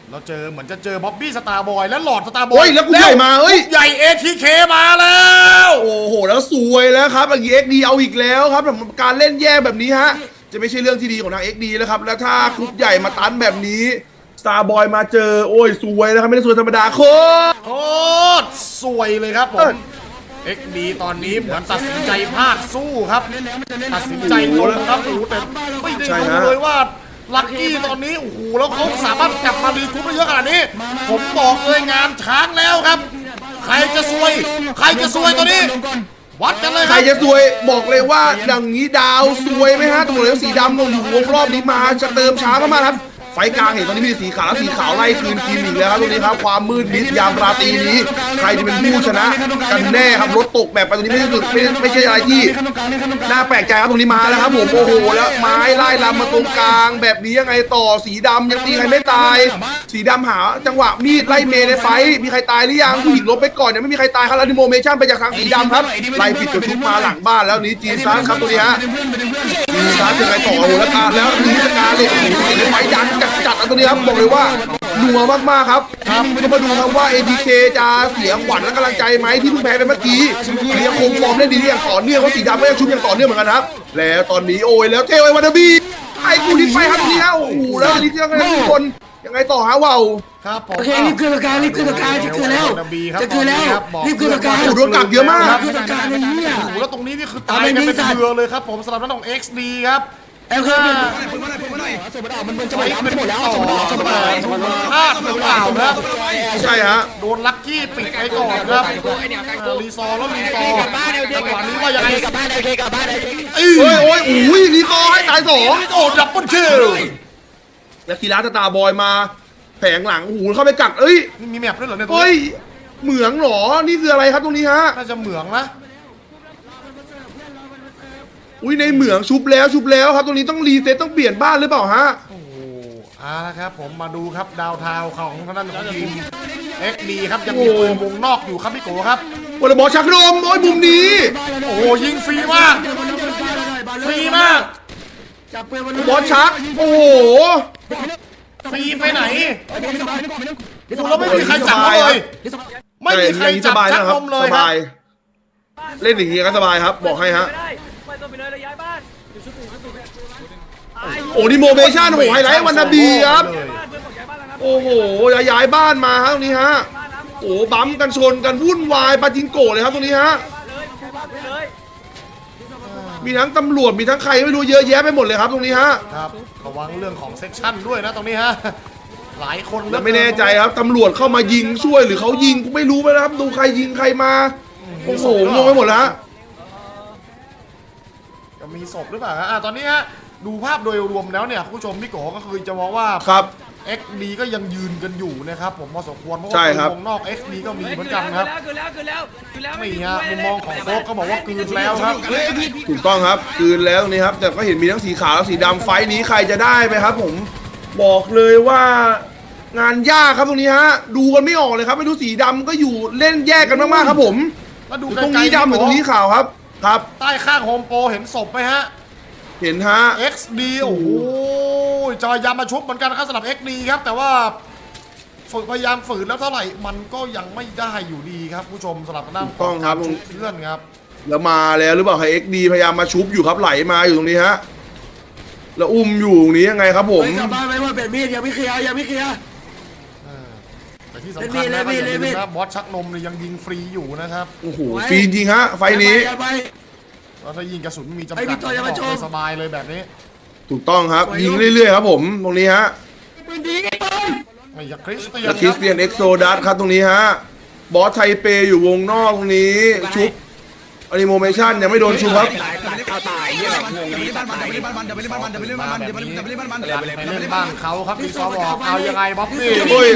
เราเจอเหมือนจะเจอบ๊อบบี้สตาร์บอยและหลอดสตาร์บอยแล้วกูใหญ่มาใหญ่ ATK มาแล้วโอ้โหแล้วสวยแล้วครับอย่างนี้ XD เอาอีกแล้วครับสำหรับการเล่นแย่แบบนี้ฮะจะไม่ใช่เรื่องที่ดีของทาง XD แล้วครับแล้วถ้ากรุ๊ปใหญ่มาตันแบบนี้สตาร์บอยมาเจอโอ้ยสวยแล้วครับไม่ได้สวยธรรมดาโคตรสวยเลยครับผม XD ตอนนี้เหมือนตัดสินใจพลาดสู้ครับตัดสินใจลงครับโอ้โหแต่ไม่ได้รู้เลยว่าลักกี้ตอนนี้โอ้โหแล้วเขาสามารถกลับมารีคูปได้เยอะขนาดนี้ผมบอกเลยงานช้างแล้วครับใครจะซวยตัวนี้วัดกันเลยครับใครจะซวยบอกเลยว่าอย่างนี้ดาวซวยไหมฮะตำรวจสีดำลงอยู่วงรอบนี้มาจะเติมช้ามากๆครับไฟกลางเห็นตอนนี้มีสีขาวสีขาวไล่คืนทีมอีกแล้วครับตรงนี้ครับความมืดมิดยามราตรีนี้ใครจะเป็นผู้ชนะกันแน่ครับรถตกแบบไปตรงนี้ไม่ใช่อะไรที่น่าแปลกใจครับตรงนี้มาแล้วครับผมโอ้โหแล้วไม้ไล่ลำมาตรงกลางแบบนี้ยังไงต่อสีดำยังตีใครไม่ตายสีดำหาจังหวะมีดไล่เมย์ในไฟมีใครตายหรือยังผู้หญิงลบไปก่อนยังไม่มีใครตายครับแล้วดิโมเมชั่นไปจากทางสีดำครับไล่ผิดกระทุกมาหลังบ้านแล้วนี้จีซัสครับตรงนี้ฮะจีซัสยังไงต่อโอ้โหแล้วการแล้วนี้จะการเลยโอ้โหไฟดันจัดตรงนี้ครับบอกเลยว่านัวมากๆครับก็มาดูครับว่า ATK จะเสียขวัญและกำลังใจไหมที่เพิ่งแพ้ไปเมื่อกี้เรียกคงฟอร์มเล่นดีอย่างต่อเนื่องว่าสีดำก็ยังชุบอย่างต่อเนื่องเหมือนกันครับแล้วตอนนี้โอ้ยแล้วเทวไอวันนาบีไอ้กูดิ้นไปครับนี่ฮะโอ้โหแล้วลิเทียกันทุกคนยังไงต่อฮะว้าวครับผมโอเครีบขึ้นตะการจะขึ้นแล้วรีบขึ้นตะการโดนกักเยอะมากขึ้นตะการเลยเนี่ยโอ้โหแล้วตรงนี้นี่คือตายกันเป็นเรือเลยครับผมสำหรับน้อง XD ครับเอ็มเคยมันจะหมดแล้วพลาดหรือเปล่าครับใช่ฮะโดนลัคกี้ปิดไปก่อนครับรีซอแล้วรีซอจังหวะนี้ว่ายังไงกลับบ้านโอเคกลับบ้านโอ้ยอุ้ยรีซอให้ตาย2 โอ้ดับเบิลคิลแล้วกีฬาสตาร์บอยมาแผงหลังโอ้โหเข้าไปกักมีแมปด้วยเหรอเนี่ยเฮ้ยเหมืองหรอนี่คืออะไรครับตรงนี้ฮะน่าจะเหมืองนะอุ้ยในเหมืองชุบแล้วครับตรงนี้ต้องรีเซ็ตต้องเปลี่ยนบ้านหรือเปล่าฮะโอ้ละครับผมมาดูครับดาวทาวของทางด้านของทีม XD ครับยังมีปืนวงนอกอยู่ครับพี่โกครับวอลเลย์บอลชักนมโอ้ยมุมนี้โอ้โหยิงฟรีมากบอลชักโอ้โหฟรีไปไหนดูแล้วไม่มีใครจับเลยไม่มีใครจับชักนมเลยครับเล่นอย่างนี้ก็สบายครับบอกให้ฮะโอ้ดิโมเมชั่นโอ้ไฮไลท์วันนาบีครับโอ้โหย้ายบ้านมาฮะตรงนี้ฮะโอ้บัมกันชนกันวุ่นวายปาจิงโกะเลยครับตรงนี้ฮะมีทั้งตำรวจมีทั้งใครไม่รู้เยอะแยะไปหมดเลยครับตรงนี้ฮะครับระวังเรื่องของเซ็กชั่นด้วยนะตรงนี้ฮะหลายคนแล้วไม่แน่ใจครับตำรวจเข้ามายิงช่วยหรือเขายิงกูไม่รู้ไปนะครับดูใครยิงใครมาโอ้โหงงไปหมดแล้วจะมีศพหรือเปล่าฮะตอนนี้ฮะดูภาพโดยรวมแล้วเนี่ยคุณผู้ชมพี่โกก็คือจะมองว่าครับ XD ก็ยังยืนกันอยู่นะครับผมพอสมควรเพราะว่าวงนอก XD ก็มีเหมือนกันครับนี่ฮะมุมมองของโฟกก็บอกว่าคืนแล้วครับถูกต้องครับคืนแล้วตรงนี้ครับแต่ก็เห็นมีทั้งสีขาวและสีดำไฟนี้ใครจะได้ไหมครับผมบอกเลยว่างานยากครับตรงนี้ฮะดูกันไม่ออกเลยครับไม่รู้สีดำก็อยู่เล่นแยกกันมากๆครับผมตรงนี้ดำหรือตรงนี้ขาวครับใต้ข้างโฮมโปรเห็นศพไหมฮะเห็นฮะ XD โอ้โหจะพยายามมาชุบเหมือนกันครับสำหรับ XD ครับแต่ว่าพยายามฝืนแล้วเท่าไหร่มันก็ยังไม่ได้อยู่ดีครับผู้ชมสำหรับด้านต้องครับเพื่อนครับแล้วมาแล้วหรือเปล่าให้ XD พยายามมาชุบอยู่ครับไหลมาอยู่ตรงนี้ฮะแล้วอุ้มอยู่ตรงนี้ยังไงครับผมกลับบ้านไม่ว่าเป็นมีดยังไม่เคลียร์แต่ที่สำคัญนะบอสชักนมยังยิงฟรีอยู่นะครับโอ้โหฟรีจริงฮะไฟนี้ถ้ายิงกระสุนมีจำกัดสบายเลยแบบนี้ถูกต้องครับยิงเรื่อยๆครับผมตรงนี้ฮะไม่อยากคริสเตียนเอ็กโซดัสครับตรงนี้ฮะบอสไทเปอยู่วงนอกตรงนี้ชุบอนิโมเมชั่นยังไม่โดนชุบครับไปเล่นบ้านเขาครับพี่ซอบอกเอายังไงบ๊อบบี้โอ้ย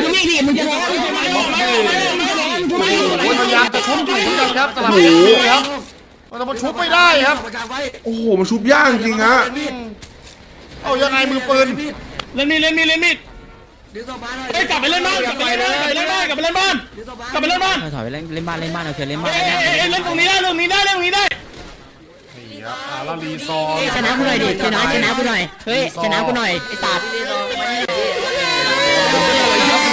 พยายามจะชุบอยู่เหมือนกันครับตลาดนี้ครับแต่มันชุบไม่ได้ครับโอ้โหมันชุบยากจริงฮะเอายังไงมือปืนเล่นมีดเฮ้ยกลับไปเล่นบ้านถอยไปเล่นบ้านโอเคเล่นบ้านเล่นตรงนี้ได้นี่ครับแล้วรีซอร์ชนะกูหน่อยดิชนะกูหน่อยเฮ้ยชนะกูหน่อยไอ้สัตว์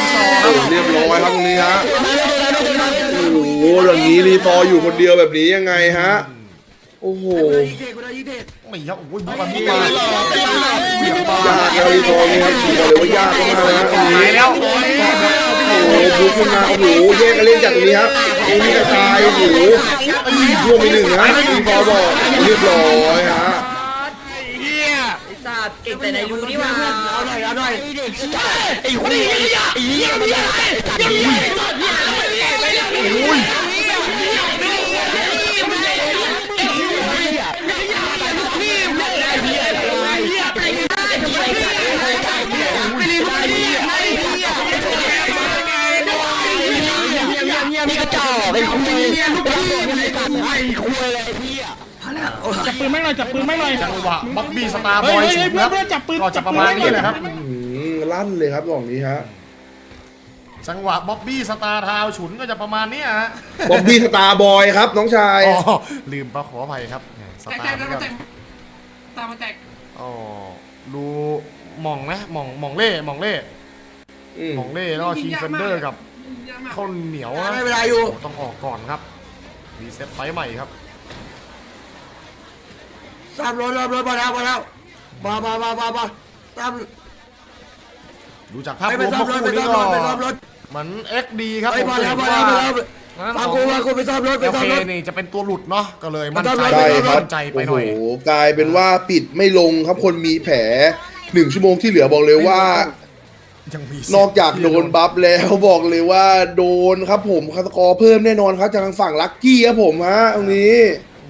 รียบร้อยครับตรงนี้ฮะโอ้โหอย่างนี้รีซอร์อยู่คนเดียวแบบนี้ยังไงฮะโอ้โหไม่ครับโอ้ยบุกมาบุกมายากแล้วรีซอร์นี่ครับบอกเลยว่ายากมากๆนะตรงนี้ตายแล้วโอ้โหบุกขึ้นมาโอ้โหแยกกันเล่นจากตรงนี้ครับตรงนี้กระจายโอ้โหร่วมไปหนึ่งนะรีซอร์บอกเรียบร้อยฮะเก่งแต่ในยูนี่ว่าเอาหน่อยไอ้คนนี้ไอ้เหี้ยมันอุ้ยนี่กระจอกไอ้คุยไอ้คุยอะไรพี่อ่ะจับปืนไม่หน่อยจับปืนไม่หน่อยจังหวะบ๊อบบี้สตาร์บอยฉุนครับก็จะประมาณนี้แหละครับลั่นเลยครับตรงนี้ฮะจังหวะบ๊อบบี้สตาร์ทาวฉุนก็จะประมาณนี้ฮะบ๊อบบี้สตาร์บอยครับน้องชายอ๋อลืมปะขออภัยครับสตาร์เหมือนกันตามมาแตกอ๋อดูหม่องไหมหม่องเล่หม่องเล่แล้วก็คีเฟนเดอร์กับข้าวเหนียวนะไม่เป็นไรอยู่ต้องออกก่อนครับรีเซ็ตไฟใหม่ครับตามรถมาแล้วมาตามดูจากภาพไปรวมซ่อมรถคู่ไปนี้ซ่อมก็รถไปซ่อมรถเหมือน XD ครับไปผมมาจะแล้วเห็นมาว่าแล้วฟังกูไปซ่อมรถไปโอซ่อเคมรถนี่จะเป็นตัวหลุดเนาะก็เลยมั่นใจใช่ใช่ครับมั่นใจไปหน่อยโอ้โหกลายเป็นว่าปิดไม่ลงครับคนมีแผล1 ชั่วโมงที่เหลือบอกเลยว่ายังมีนอกจากโดนบัฟแล้วบอกเลยว่าโดนครับผมคาสกอร์เพิ่มแน่นอนครับจากทางฝั่งลัคกี้ครับผมฮะตรงนี้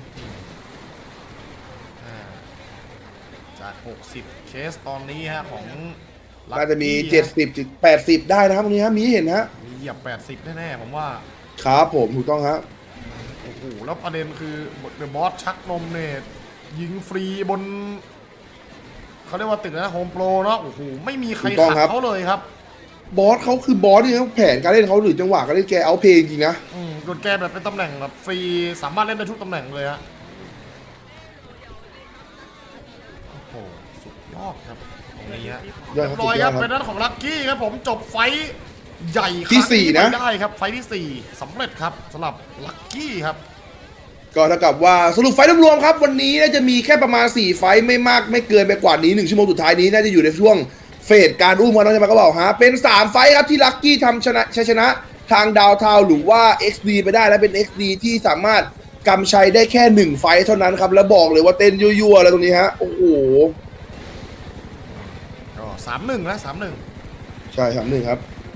จาก60เคสตอนนี้ฮะของน่าจะมี Lucky ฮ 70ถึง80 ได้นะครับตรงนี้ฮะมีให้เห็นฮะมีเหยียบ80แน่ๆผมว่าครับผมถูกต้องครับโอ้โหแล้วประเด็นคือเดอะบอสชักนมเนี่ยยิงฟรีบนเขาเรียกว่าตึกนะโฮมโปรเนาะโอ้โหไม่มีใครขัดเขาเลยครับบอสเขาคือบอสที่เขาแผนการเล่นเขาหรือจังหวะการเล่นแกเอาเพลงจริงนะโดนแกแบบเป็นตำแหน่งแบบฟรีสามารถเล่นได้ทุกตำแหน่งเลยฮะโอ้โหสุดยอดครับตรงนี้ฮะยอเรีดยครับบร้อยครับสุดยอดครับเป็นด้านของลัคกี้ครับผมจบไฟท์ใหญ่ที่สี่นะครั้งไปได้ครับไฟท์ที่ 4สำเร็จครับสำหรับลัคกี้ครับก็เท่ากับว่าสรุปไฟล์รวมๆครับวันนี้น่าจะมีแค่ประมาณ4ไฟล์ไม่มากไม่เกินไปกว่านี้1 ชั่วโมงสุดท้ายนี้น่าจะอยู่ในช่วงเฟสการอุ้มกันน้องจะมาก็บอกฮะเป็น3ไฟล์ครับที่ลัคกี้ทำชัยชนะทางดาวทาวหรือว่า XD ไปได้และเป็น XD ที่สามารถกำชัยได้แค่1ไฟล์เท่านั้นครับแล้วบอกเลยว่าเต้นยั่วๆอะไรตรงนี้ฮะโอ้โหก็3-1นะ3-1 ใช่3-1ครับ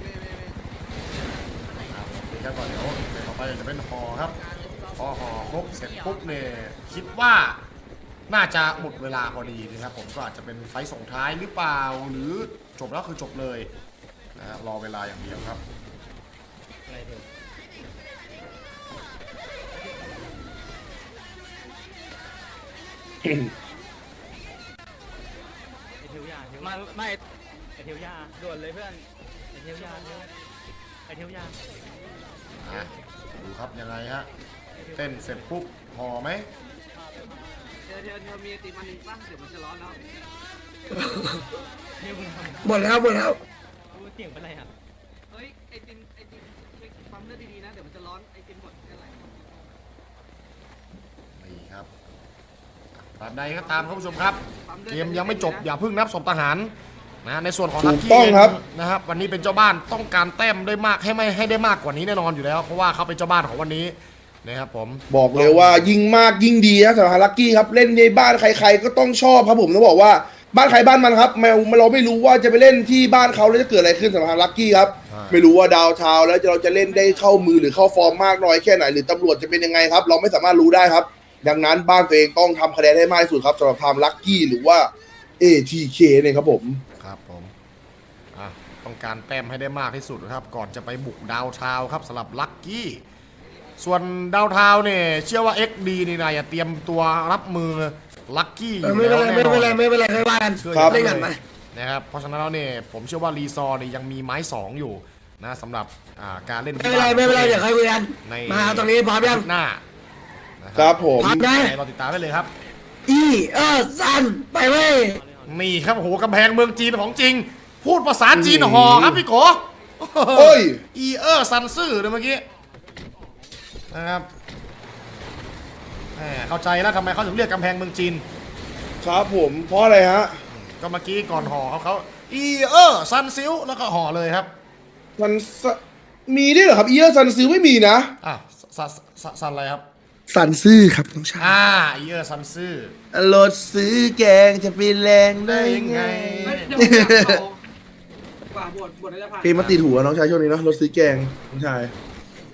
ครับก่อนเดี๋ยวต่อไปจะเป็นฮอครับพอฮอครบเสร็จปุ๊บเนี่ยคิดว่าน่าจะหมดเวลาพอดีนะครับผมก็อาจจะเป็นไฟท์ส่งท้ายหรือเปล่าหรือจบแล้วคือจบเลยนะฮะรอเวลาอย่างเดียวครับมาไม่ไอเทียวยาด่วนเลยเพื่อนไอเทียวยาไอเทียวยาดูครับยังไงฮะเต้นเสร็จปุ๊บฮอไหมเดี๋ยวมีติมันบ้างเดี๋ยวมันจะร้อนแล้วหมดแล้วเสียงเป็นไรอ่ะเฮ้ยไอติมปั๊มเลือดดีๆนะเดี๋ยวมันจะร้อนไอติมหมดแค่ไหนนี่ครับตราบใดก็ตามครับผู้ชมครับเกมยังไม่จบอย่าเพิ่งนับศพทหารนะในส่วนของลัคถูกี้กต้องครับนะครับวันนี้เป็นเจ้าบ้านต้องการแต้มได้มากให้ได้มากกว่านี้แน่นอนอยู่แล้วเพราะว่าเขาเป็นเจ้าบ้านของวันนี้นะครับผมบอกเลยว่ายิ่งมากยิ่งดีนะสำหรับลัคกี้ครับเล่นในบ้านใครๆก็ต้องชอบครับผมต้องบอกว่าบ้านใครบ้านมันครับเราไม่รู้ว่าจะไปเล่นที่บ้านเขาแล้วจะเกิดอะไรขึ้นสำหรับลัคกี้ครับไม่รู้ว่าดาวทาวน์แล้วเราจะเล่นได้เข้ามือหรือเข้าฟอร์มมากน้อยแค่ไหนหรือตำรวจจะเป็นยังไงครับเราไม่สามารถรู้ได้ครับดังนั้นบ้านตัวเองต้องทำคะแนนให้มากที่สุดครับสำหรับทำลัคกี้หรือว่า ATK เนี่ยครับผมครับผมต้องการแต้มให้ได้มากที่สุดนะครับก่อนจะไปบุกดาวทาวน์ครับสำหรับลัคกี้ส่วนดาวทาวน์เนี่ยเชื่อว่า XD นี่นายเตรียมตัวรับมือลัคกี้อยู่ไม่แล้วเป็นไรแน่นอนไม่เป็นไรไม่ว่ากันครับเล่นกันไปนะครับเพราะฉะนั้นแล้วเนี่ยผมเชื่อว่ารีซอร์เนี่ยยังมีไม้2อยู่นะสำหรับการเล่นไม่เป็นไรเดี๋ยวค่อยคุยกันมาตรงนี้พร้อมยังหน้าครับผมพร้อมนะเราติดตามได้เลยครับซันไปเว้ยนี่ครับโอ้โหกำแพงเมืองจีนของจริง พูดภาษาจีนห่อครับพี่โกโอ้ยอีซันซื่อเลยเมื่อกี้นะครับแหมเข้าใจแล้วทำไมเขาถึงเรียกกำแพงเมืองจีนครับผมเพราะอะไรฮะก็เมื่อกี้ก่อนห่อเขาอีซันซิลแล้วก็ห่อเลยครับมันมีด้วยเหรอครับซันซิลไม่มีนะอ่ะซันอะไรครับซันซื่อครับน้องชายอีซันซื่อรถซื้อแกงจะไปแรงได้ยังไงเดี๋ยวผมอยากเอากว่าบทน่าจะผ่านเพลงมาติดหัวน้องชายช่วงนี้เนาะรถซื้อแกงน้องชาย